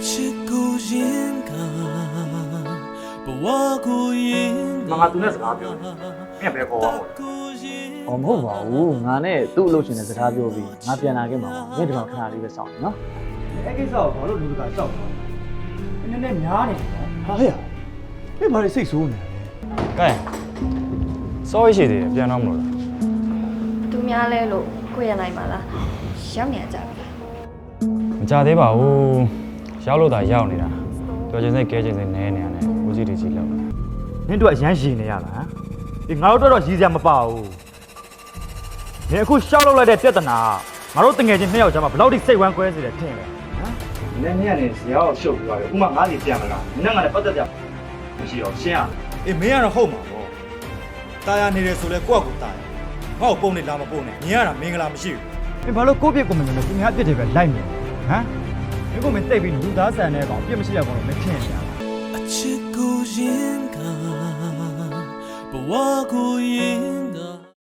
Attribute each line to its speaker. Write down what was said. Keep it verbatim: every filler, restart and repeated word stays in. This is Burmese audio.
Speaker 1: ငါသူနဲ့စကားပြောတယ်မင်းဘယ်ခေါ်ပါ့
Speaker 2: ။အော်မဟုတ်ပါဘူး။ငါနဲ့သူ့အလုပ်ရှင်နဲ့စကားပြောပြီးငါပြန်လာခဲ့မှာပါ။မင်းဒီကောင်ခဏလေးပဲစောင့်နော်။အဲ့ကိစ္စကိုဘာလို့လူတကာရှောက်လဲ။နည်းနည်းများနေတယ်နော်။ဟာဟဲ့။မင်းဘာလို့စိတ်ဆိုးနေလဲ။
Speaker 3: ကဲစောရရှိသေးတယ်ပြန်တော့မလို့လား
Speaker 4: သူများလဲလို့ကိုရနိုင်ပါလားရောက်နေကြပြီ
Speaker 3: မကြသေးပါဘူးရောက်လို့သာရောက်နေတာတော်ချင်းစိတ်ကဲချင်းစိတ်နဲနေရတယ်ဦးစီးတီကြီးလောက်
Speaker 1: နင်းတို့အရန်ရှင်နေရလားဒီငါတို့တော့ရည်စရာမပါဘူးဒီအခုရှောက်လောက်လိုက်တဲ့ပြဿနာငါတို့တငယ်ချင်းနှစ်ယောက်ကြားမှာဘယ်လောက်ထိစိတ်ဝမ်းကွဲစေတယ်ထင်လဲဟမ်နင်းနေ့ကနေဇရာကိုရှုပ်ပြီးသွားတယ်ဥမာငါးစီပြန်မလားနင်းကလည်းပတ်သက်ကြမရှိတော့ရှင်းရအေးမင်းကတော့ဟုတ်မှာပေါ့တာယာနေတယ်ဆိုလဲကိုယ့်အကူတာယာငါ့ကိုပုံနေလားမပုံနဲ့မြင်ရတာမင်္ဂလာမရှိဘူးမင်းဘာလို့ကိုယ့်ပြစ်ကိုမမြင်လဲသူများအပြစ်တွေပဲလိုက်မြင်ဟမ်မင်းကမင်းတိတ်ပြီးလူသားဆန်တဲ့ကောင်အပြစ်မရှိရကောင်လို့မထင်ရဘူးအချစ်ကိုရင်ကဘဝကိုရင်